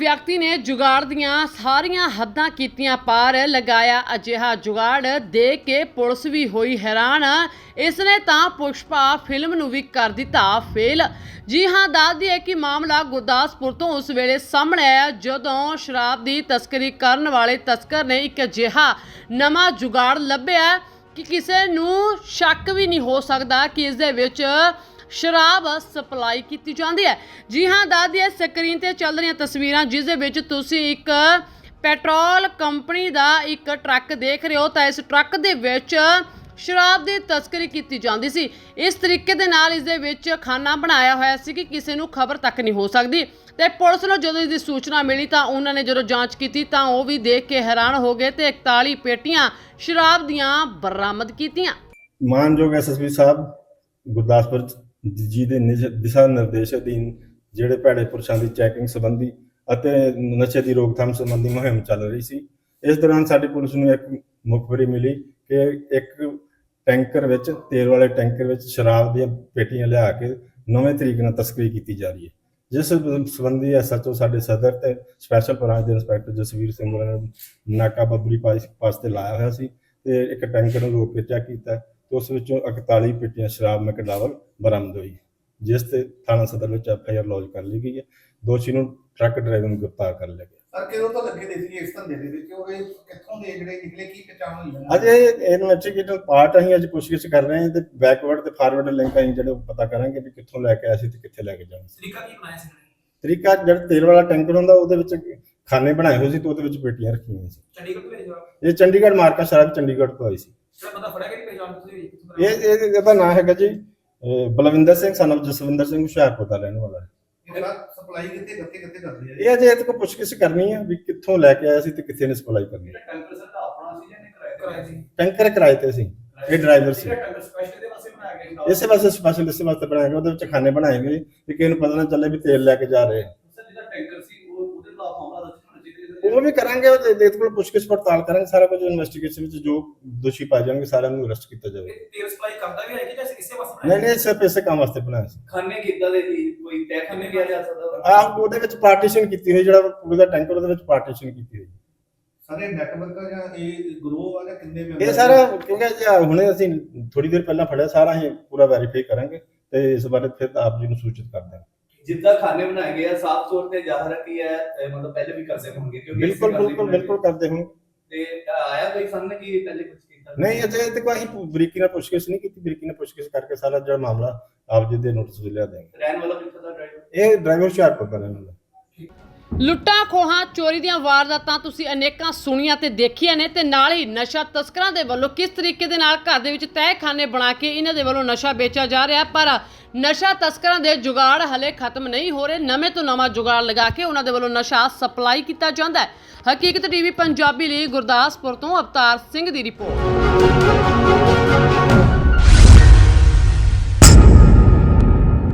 ਵਿਅਕਤੀ ਨੇ ਜੁਗਾੜ ਦੀਆਂ ਸਾਰੀਆਂ ਹੱਦਾਂ ਕੀਤੀਆਂ ਪਾਰ। ਲਗਾਇਆ ਅਜਿਹਾ ਜੁਗਾੜ ਦੇਖ ਕੇ ਪੁਲਿਸ ਵੀ ਹੋਈ ਹੈਰਾਨ। ਇਸ ਨੇ ਤਾਂ ਪੁਸ਼ਪਾ ਫਿਲਮ ਨੂੰ ਵੀ ਕਰ ਦਿੱਤਾ ਫੇਲ। ਜੀ ਹਾਂ, ਦੱਸ ਦਈਏ ਕਿ ਮਾਮਲਾ ਗੁਰਦਾਸਪੁਰ ਤੋਂ ਉਸ ਵੇਲੇ ਸਾਹਮਣੇ ਆਇਆ ਜਦੋਂ ਸ਼ਰਾਬ ਦੀ ਤਸਕਰੀ ਕਰਨ ਵਾਲੇ ਤਸਕਰ ਨੇ ਇੱਕ ਅਜਿਹਾ ਨਵਾਂ ਜੁਗਾੜ ਲੱਭਿਆ ਕਿ ਕਿਸੇ ਨੂੰ ਸ਼ੱਕ ਵੀ ਨਹੀਂ ਹੋ ਸਕਦਾ ਕਿ ਇਸ ਦੇ ਵਿੱਚ शराब सप्लाई की जाती है। जी हाँ, दस दिए स्क्रीन ते चल रही तस्वीरां जिस दे विच तुसी एक पेट्रोल कंपनी का एक ट्रक देख रहे हो। तो इस ट्रक दे विच शराब की तस्करी की जाती सी। इस तरीके दे नाल इस दे विच खाना बनाया होया सी कि किसी नूं खबर तक नहीं हो सकती। तो पुलिस नूं जदों इसकी सूचना मिली तो उन्होंने जो जांच की तो वह भी देख के हैरान हो गए तो 41 पेटियां शराब दियां बरामद कीतियां। मानयोग SSP साहब गुरदासपुर जी ਦੇ ਦਿਸ਼ਾ ਨਿਰਦੇਸ਼ ਅਧੀਨ ਜਿਹੜੇ ਭੈੜੇ ਪੁਰਸ਼ਾਂ ਦੀ ਚੈਕਿੰਗ ਸੰਬੰਧੀ ਅਤੇ ਨਸ਼ੇ ਦੀ ਰੋਕਥਾਮ ਸੰਬੰਧੀ ਮੁਹਿੰਮ ਚੱਲ ਰਹੀ ਸੀ। ਇਸ ਦੌਰਾਨ ਸਾਡੀ ਪੁਲਿਸ ਨੂੰ ਇੱਕ ਮੁਖਬਰੀ ਮਿਲੀ ਕਿ ਇੱਕ ਟੈਂਕਰ ਵਿੱਚ ਤੇਲ ਵਾਲੇ ਟੈਂਕਰ ਵਿੱਚ ਸ਼ਰਾਬ ਦੀਆਂ ਪੇਟੀਆਂ ਲਿਆ ਕੇ ਨਵੇਂ ਤਰੀਕੇ ਨਾਲ ਤਸਕਰੀ ਕੀਤੀ ਜਾ ਰਹੀ ਹੈ। ਜਿਸ ਸੰਬੰਧੀ SHO ਸਾਡੇ ਸਦਰ ਤੇ ਸਪੈਸ਼ਲ ਬ੍ਰਾਂਚ ਦੇ ਇੰਸਪੈਕਟਰ ਜਸਵੀਰ ਸਿੰਘ ਉਹਨਾਂ ਨੇ ਨਾਕਾਬੰਦੀ ਪਾਸ ਤੇ ਲਾਇਆ ਹੋਇਆ ਸੀ ਤੇ ਇੱਕ ਟੈਂਕਰ ਨੂੰ ਰੋਕ ਕੇ ਚੈੱਕ ਕੀਤਾ। उस 41 पेटियां शराब मैकडावल बरामद हुई, जिस ते थाना सदर में FIR लॉन्च कर ली गई है। दोषी ਨੂੰ ट्रक ड्राइवर ਨੂੰ गिरफ्तार कर लिया गया। ਸਰ ਕਿਦੋਂ ਤੋਂ ਲੱਗੇ ਦੇ ਸੀ ਇਸ ਧੰਦੇ ਦੇ ਵਿੱਚ ਉਹ ਕਿੱਥੋਂ ਦੇ ਜਿਹੜੇ ਨਿਕਲੇ ਕੀ ਪਛਾਣ ਹੋਈ ਹੈ? ਅਜੇ ਇਨਵੈਸਟੀਗੇਟਰ ਪਾਰਟ ਅਸੀਂ ਅੱਜ ਪੁੱਛਗਿੱਛ ਕਰ ਰਹੇ ਹਾਂ ਤੇ ਬੈਕਵਰਡ ਤੇ ਫਾਰਵਰਡ ਲਿੰਕ ਅਸੀਂ ਜਿਹੜੇ ਪਤਾ ਕਰਾਂਗੇ ਵੀ ਕਿੱਥੋਂ ਲੈ ਕੇ ਆਏ ਸੀ ਤੇ ਕਿੱਥੇ ਲੈ ਕੇ ਜਾਣਾ ਸੀ। ਤਰੀਕਾ ਕੀ ਬਣਾਇਆ ਸੀ? ਤਰੀਕਾ ਜਿਹੜਾ ਤੇਲ ਵਾਲਾ ਟੈਂਕਰ ਹੁੰਦਾ ਉਹਦੇ ਵਿੱਚ ਖਾਨੇ ਬਣਾਏ ਹੋਏ ਸੀ ਤੇ ਉਹਦੇ ਵਿੱਚ ਪੇਟੀਆਂ ਰੱਖੀਆਂ ਹੋਈਆਂ ਸੀ। ਚੰਡੀਗੜ੍ਹ ਤੋਂ ਭੇਜਿਆ? ਇਹ ਚੰਡੀਗੜ੍ਹ ਮਾਰਕਾ ਸ਼ਰਾਬ ਚੰਡੀਗੜ੍ਹ ਤੋਂ ਆਈ ਸੀ। ਪਤਾ ਫੜਿਆ ਕਿ ਪਹਿਚਾਣ ਤੁਸੀਂ? ਇਹਦਾ ਨਾਮ ਹੈਗਾ ਜੀ ਬਲਵਿੰਦਰ ਸਿੰਘ son of ਜਸਵਿੰਦਰ ਸਿੰਘ ਹੁਸ਼ਿਆਰਪੁਰ ਦਾ ਰਹਿਣ ਵਾਲਾ ਹੈ। ਇਹਦਾ ਸਪਲਾਈ ਕਿੱਥੇ ਕਰਦੇ ਆ? ਇਹ ਅਜੇ ਇਹਦੇ ਕੋਲ ਪੁੱਛਗਿੱਛ ਕਰਨੀ ਹੈ ਵੀ ਕਿੱਥੋਂ ਲੈ ਕੇ ਆਇਆ ਸੀ ਤੇ ਕਿੱਥੇ ਨੇ ਸਪਲਾਈ ਕਰਨੀ। ਟੈਂਕਰ ਸਰ ਦਾ ਆਪਣਾ ਸੀ ਜਾਂ ਕਿਰਾਏ ਸੀ? ਟੈਂਕਰ ਕਿਰਾਏ ਤੇ ਸੀ, ਇਹ ਡਰਾਈਵਰ ਸੀ। ਟੈਂਕਰ ਸਪੈਸ਼ਲ ਦੇ ਵਾਸਤੇ ਬਣਾਇਆ ਗਿਆ? ਇਸੇ ਵਾਸਤੇ ਸਪੈਸ਼ਲ ਇਸੇ ਵਾਸਤੇ ਬਣਾਇਆ ਗਿਆ। ਉਹਦੇ ਵਿੱਚ ਖਾਨੇ ਬਣਾਏ ਗਏ ਕਿ ਕਿਸੇ ਨੂੰ ਪਤਾ ਨਾ ਚੱਲੇ ਵੀ ਤੇਲ ਲੈ ਕੇ ਜਾ ਰਹੇ। ਸਰ ਜਿਹਦਾ ਟੈਂਕਰ ਸੀ ਉਹਦੇ ਖਿਲਾਫ ਮਾਮਲਾ ਦਰਜ ਹੋਣਾ ਚਾਹੀਦਾ? ਉਹ ਵੀ ਕਰਾਂਗੇ, ਉਹਦੇ ਕੋਲ ਪੁੱਛਗਿੱਛ ਪੜਤਾਲ ਕਰਾਂਗੇ। ਸਾਰਾ ਕੁਝ ਇਨਵੈਸਟੀਗੇਸ਼ਨ ਵਿੱਚ ਜੋ ਦੋਸ਼ੀ ਪਾਏ ਜਾਣਗੇ ਸਾਰਿਆਂ ਨੂੰ ਅਰੈਸਟ ਕੀਤਾ ਜਾਵੇਗਾ। ਤੇਲ ਸਪਲਾਈ ਕਰਦਾ ਵੀ ਹੈ ਕਿ ਜਾਂ ਇਸੇ ਵਾਸਤੇ? ਨਹੀਂ ਸਿਰਫ ਇਸੇ ਕੰਮ ਵਾਸਤੇ ਬਣਾਇਆ ਸੀ। ਖਾਨੇ ਕਿੱਦਾਂ ਦੇ ਸੀ? ਕੋਈ ਤੈਅ ਖਾਨੇ ਕਿਹਾ ਜਾ ਸਕਦਾ? ਉਹਦੇ ਵਿੱਚ ਪਾਰਟੀਸ਼ਨ ਕੀਤੀ ਹੋਈ, ਜਿਹੜਾ ਪੂਰੇ ਦਾ ਟੈਂਕਰ ਉਹਦੇ ਵਿੱਚ ਪਾਰਟੀਸ਼ਨ ਕੀਤੀ ਹੋਈ। ਸਾਰੇ ਨੈਟਵਰਕ ਜਾਂ ਇਹ ਗਰੋਹ ਆ ਜਾਂ ਕਿੰਨੇ ਮੈਂਬਰ? ਇਹ ਸਾਰਾ ਕਿਉਂਕਿ ਹੁਣੇ ਅਸੀਂ ਥੋੜੀ ਦੇਰ ਪਹਿਲਾਂ ਫੜਿਆ, ਸਾਰਾ ਅਸੀਂ ਪੂਰਾ ਵੈਰੀਫਾਈ ਕਰਾਂਗੇ ਤੇ ਇਸ ਬਾਰੇ ਫਿਰ ਆਪ ਜੀ ਨੂੰ ਸੂਚਿਤ ਕਰ ਦਾਂਗੇ। ਜਿੱਦਾਂ ਖਾਨੇ ਬਣਾਏ ਗਏ ਆ ਸਾਫ਼ ਤੌਰ ਤੇ ਜ਼ਾਹਰ ਹੈ ਕਿ ਹੈ ਮਤਲਬ ਪਹਿਲੇ ਵੀ ਕਰਦੇ ਹੋਣਗੇ ਕਿਉਂਕਿ ਬਿਲਕੁਲ ਕਰਦੇ ਹੋਣ। ਤੇ ਆਇਆ ਕੋਈ ਸਾਹਮਣੇ ਕਿ ਪਹਿਲੇ ਕੁਝ ਕੀਤਾ? ਨਹੀਂ, ਅਜੇ ਤੇ ਕੋਈ ਬਰੀਕੀ ਨਾਲ ਪੁੱਛਗਿੱਛ ਨਹੀਂ ਕੀਤੀ। ਬਰੀਕੀ ਨਾਲ ਪੁੱਛਗਿੱਛ ਕਰਕੇ ਸਾਰਾ ਜਿਹੜਾ ਮਾਮਲਾ ਆਪ ਜੀ ਦੇ ਨੋਟਿਸ ਵਿੱਚ ਲਿਆ ਦੇਵਾਂਗੇ। ਰਹਿਣ ਵਾਲਾ ਕਿੱਥੋਂ ਦਾ ਡਰਾਈਵਰ? ਇਹ ਡਰਾਈਵਰ ਹੁਸ਼ਿਆਰਪੁਰ ਦਾ ਰਹਿਣ ਵਾਲਾ। ਲੁੱਟਾਂ ਖੋਹਾਂ ਚੋਰੀ ਦੀਆਂ ਵਾਰਦਾਤਾਂ ਤੁਸੀਂ ਅਨੇਕਾਂ ਸੁਣੀਆਂ ਤੇ ਦੇਖੀਆਂ ਨੇ ਤੇ ਨਾਲ ਹੀ ਨਸ਼ਾ ਤਸਕਰਾਂ ਦੇ ਵੱਲੋਂ ਕਿਸ ਤਰੀਕੇ ਦੇ ਨਾਲ ਘਰ ਦੇ ਵਿੱਚ ਤਹਿਖਾਨੇ ਬਣਾ ਕੇ ਇਹਨਾਂ ਦੇ ਵੱਲੋਂ ਨਸ਼ਾ ਵੇਚਿਆ ਜਾ ਰਿਹਾ। ਪਰ ਨਸ਼ਾ ਤਸਕਰਾਂ ਦੇ ਜੁਗਾੜ ਹਲੇ ਖਤਮ ਨਹੀਂ ਹੋ ਰਹੇ। ਨਵੇਂ ਤੋਂ ਨਵਾਂ ਜੁਗਾੜ ਲਗਾ ਕੇ ਉਹਨਾਂ ਦੇ ਵੱਲੋਂ ਨਸ਼ਾ ਸਪਲਾਈ ਕੀਤਾ ਜਾਂਦਾ ਹੈ। ਹਕੀਕਤ TV ਪੰਜਾਬੀ ਲਈ ਗੁਰਦਾਸਪੁਰ ਤੋਂ ਅਵਤਾਰ ਸਿੰਘ ਦੀ ਰਿਪੋਰਟ।